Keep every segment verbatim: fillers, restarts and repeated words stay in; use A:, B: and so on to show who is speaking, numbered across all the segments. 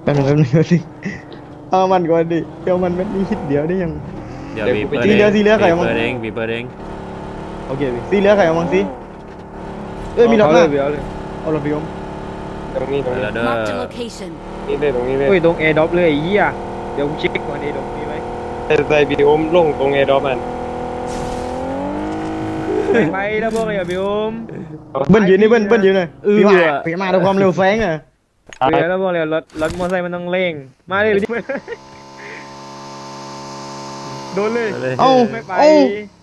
A: แป๊บนึงแป๊บนึงแป๊บนึงเอามันก่อนดิเดี๋ยวมันมันมีคิดเดียวได้ยัง
B: เดี๋ยวบีเปิด
A: สีเหลืองสีเหลืองใครเอามา
B: เปิดเองบีเปิดเอง
A: โอเคพี่สีเหลือใครเอามังสิเอ้ยมีรถ
C: เอา
A: ห
C: เล
A: น้าย
C: เดี๋ยวเลย
A: เอารถพี่อม
D: ตรงนี้ตรง
B: เปิด
D: นี้
B: แล้วเด้อ
E: Marked a location.
D: นี่เลยตรงนี้เลย
C: เฮ้ยตรงแอร์ดรอปเลยไอ้เหี้ยเดี๋ยวกูเช็คก่อนไอ้ดรอปมีไหม
D: แต่ใส่บีโอมลงตรงเอดอมัน
C: ไปไปแล้วพวกไอ้บิวม
A: เบิ้ลยืนนี่เบิ้ลเบิ้ลยืนเลย
B: เออ
A: พี่ว่าพี่มาด้วยความเร็วแซงอ่ะ
C: เดี๋ยวแล้วพวกเรารถรถมอเตอร์ไซค์มันต้องเร่งมาเลยดิโดนเลย
B: เลย
A: เอ้า
C: ไม่ไป
A: เอ้า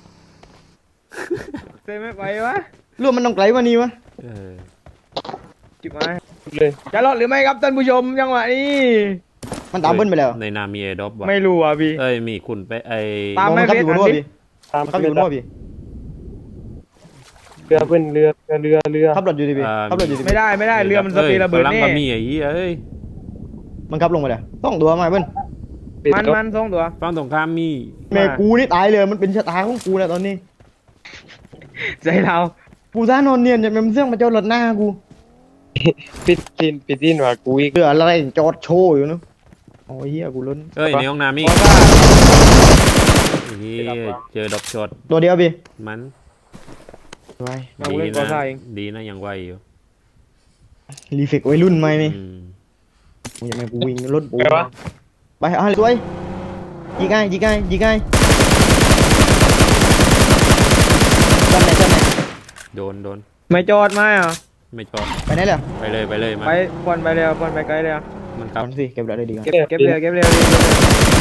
C: เซไม่ไปวะ
A: รวมมันต้องไกลกว่านี้วะ
B: เออ
C: จิบมา
D: เลย
C: จะรอดหรือไม่ครับท่านผู้ชมจังหวะนี้
A: มันตามเบิ้ลไปแล้ว
B: ในนามีเอดอปว่ะ
C: ไม่รู้อ่ะพี่
B: เอ้ยมีคุณไปไอ
C: ตาม
A: มอง
C: ไม่
A: มันขับ
C: เฟ
A: อ
C: ซ
A: ยู่บน
C: อัน
A: หัว
C: นี้
A: พี่
D: ตาม
A: มันขับอยู่บนหัวพี่
D: เรือเพื่อนเรือเรือเรือ
A: ขับรถอยู่ดิพี่ขับรถอยู่ดิ
C: ไม่ได้ไม่ได้เรือมันสปีดระเบิด
B: กำลัง
C: แน่
B: ก็มีไอ้เหี้ยเอ้ย
A: มันขับลงไปแล้วต้องตัวมาเบิ้ล
C: มันมันสองตัว
B: ฝั่งตรงข้ามมี
A: แม่กูนี่ตายเลยมันเป็นชะตาของกูแล้วตอนนี้
C: ใจเรา
A: กูซ่านอนเนียนจะเป็นเสื่องมาเจ้ารถหน้ากู
D: ปิดทินปิดทินว่ากูอีก
A: เรืออะไรจอดโชว์อยู่เนอะโอ้ยเฮียกูล้น
B: เอ้ยในห้องน้ำมี
C: เพราะว่า
B: ไอ้เหี้ยเจอดอกช็อต
A: ตัวเดียวพี่
B: มัน
A: ไว้
C: มากู
B: ดี
C: เล่นกอ
B: นะ
C: ซ่าเอง
B: ดีนะยังไหวอยู่
A: รีเฟกวัยรุ่นไหมนี่
B: อืม
A: มึงอย่ามากูวิ่งรถปู
D: ไปวะ
A: ไปเอาให้สวยยิงง่ายยิงง่ายยิงง่ายจำไหนจำไหน
B: โดนโดน
C: ไม่จอดมาอ่ะ
B: ไม่ชอบ
A: ไปไหนแล้ว
B: ไปเลยไปเลยมัน
C: ไปควันไปเร็วควันไปไกลเร็ว
B: มันก
A: กลั
B: ลั
A: บบ สิเก็บแล้วได้ดีกัน
C: เก็บเร็วเก็บเร็วเก็บเร็ว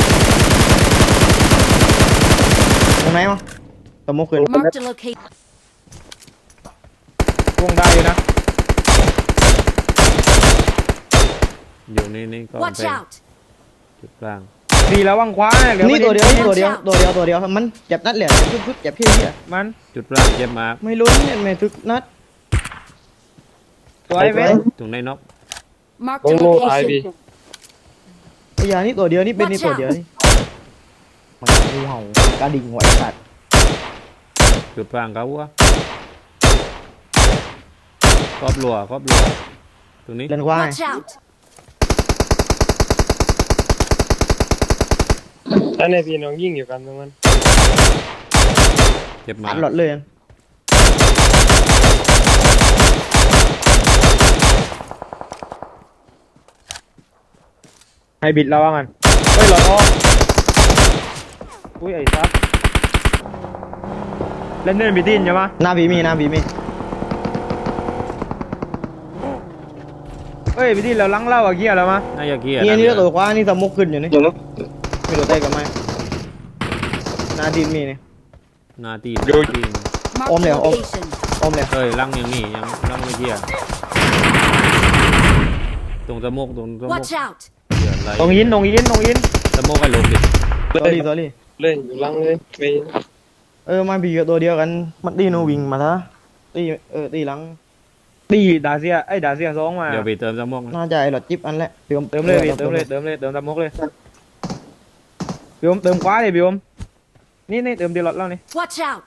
A: ตรงไหนมั้งตะมกขึ้น
E: Marked a location.
C: วงได้อยู่นะ
B: อยู่นี่นี่ก็
E: Watch
B: เป็น
E: out.
B: จุดกลาง
C: ดีแล้ววังคว้าเหลือ
A: นี่ตัวเดียวนี่
E: Watch
A: ตัวเดียว
E: out
A: ตัวเดียวตัวเดียวมันเจ็บนัดเหลี่ยมชุดๆเจ็บพี่เหี้ย
C: มัน
B: จุดกลางเจ็บมาก
A: ไม่ลุ้นเนี่ยไม่ทึกนัด
C: ตัวไอ้เว้ย
B: ตรงในน็อก
E: Marked
D: ล
E: a
D: งโลท้ายบี
E: location.
A: ไอ้ยานี่ตัวเดียวนี่เป็นนี่
E: Watch
A: ตัว
E: out
A: เดียวนี่มันงูเห่ากระดิ่งไหวสัตว์
B: จุดกลางเขาวะครอบรัวครอบรัวตรงนี้
A: เล่นควาย
E: Watch out.
D: ถ้าในพี่น้องยิ่งอยู่กันตรงนั้น
B: เจ็บมา
A: อั
B: ก
A: ดหลอดเลย
C: ให้บิดเราว่างันเฮ้ยหลอดออกอุ้ยไอ้ซับเล่นเล่นบิดดินใช่ไหม
A: หน้าบีมีหน้าบีมี
C: เฮ้ยบิดดินเราลังเล่าอะเกียร์แล้วมะ
B: น่าจะเกียร์
A: นี่
B: นะ
A: นี่
B: เย
A: ตัวขวานี่สมกขึ้นอยู่นี่มีตัวเตะกับไม้หน้าดินมีนี่
B: หนาตี
D: ดู
B: ตีน
E: Marked
A: Ôm
E: a
A: nè, ôm.
E: location.
A: อมเลย
B: เอ้ยลังยังนี่ยังลังไม่เกียร์ตรงสะโมกตรงสะโมก
E: Watch out.
B: เดือดอะไร
C: ตรงยินตรงยินตรงยิน
B: สะโมกให้ลงดิ
A: สอรี่สอรี่
D: เลยอยู่ลังเลยไป
A: เออมาบีกับตัวเดียวกันมันตีโนวิ่งมาซะตีเออตีหลัง
C: ตีดาเซียไอ้ยดาเซียสองมา
B: เดี๋ยวไปเติมสะโมกนะ
A: น่าจะไอ้หลอดจิ๊บอันแหละพี่อม
C: เติมเลยพี่เติมเลยเติมเลยเติมตามมกเลยพี่อมเติมขวาเลยพี่อมนี่นี่เติมดีหลอดแล้วนี่
E: Watch out.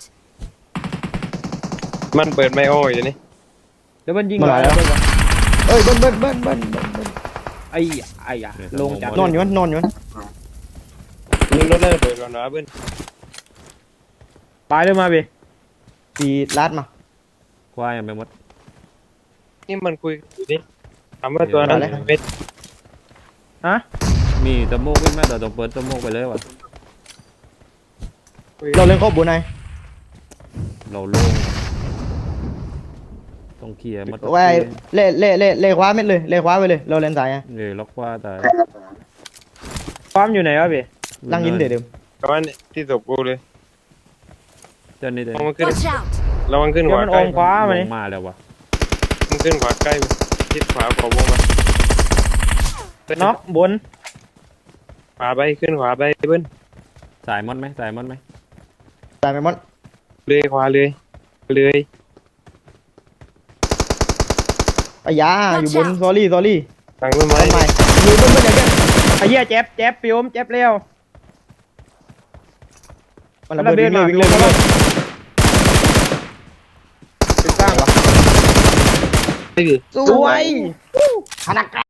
D: มันเปิดไม่โอ้ยอยู่นี่
C: เดี๋ยวมันยิง
A: มาหลายแล้วเอ้ยเบิ้ลเบิ้ลเบิ้ลเบิ้ลเบิ้ลเบิ้ล
C: ไอ้ไอ้อะลงจาก
A: นอนอยู่นอนอยู่
D: มึงรถเลยเปิดก่อนนะเพื่อน
C: ตายเลยมาพี่
A: ตีลาดมา
B: ควายยังไปหมด
D: นี่มันคุยอยู่นี่ถามว่าตัวนั้นเป็น
C: ฮะ
B: มีสะโมกขึ้นไหมเดี๋ยวต้องเปิดสะโมกไปเลยวะ
A: เราเล่นครอบบุญไง
B: เราโล่งต้องเคลียร์หมด
A: ไว้เล่เล่เล่เล่คว้าเม็ดเลยเล่คว้าไปเลยเราเล่นสาย
B: เลยล็อกว่าแต่
C: ความอยู่ไหนวะพี่
A: ลังยินเดี๋ยวเดิม
D: ประมาณที่ศพกูเลย
B: เจ้านี่เดี๋ยว
D: ระวังขึ้น
E: Watch out.
D: ระวังขึ้น
C: เดี๋
D: ข
C: ยว
D: วา
C: มัน
D: ใก
C: อ
D: ล้
C: มขวามา
B: ล
C: นี่
B: งมาแล้ววะ
D: มึงขึ้นขวาใกล้ทิศขวาขวาวงมา
C: น็อกบน
D: ขวาไปขึ้นขวาไปเพื่อน
B: สายมดไหมสายมดไหม
A: ตายไปหมด
D: เลยขวาเลยเลย
A: ไอ้ยาอยู่บนซอรี่ซอรี่
D: ทางต้นไม้
A: ทำไมอยู่บนบนอย่างเงี้ย
C: ไอ้เหี้ยเจ็บเจ็บพี่อมเจ็บเร็ว
A: มันระเบิดวิ่งเลยวิ่งเลยวิ่งเลย
C: ติดตั้ง
D: ไอ้ดิ
A: สวยขนาด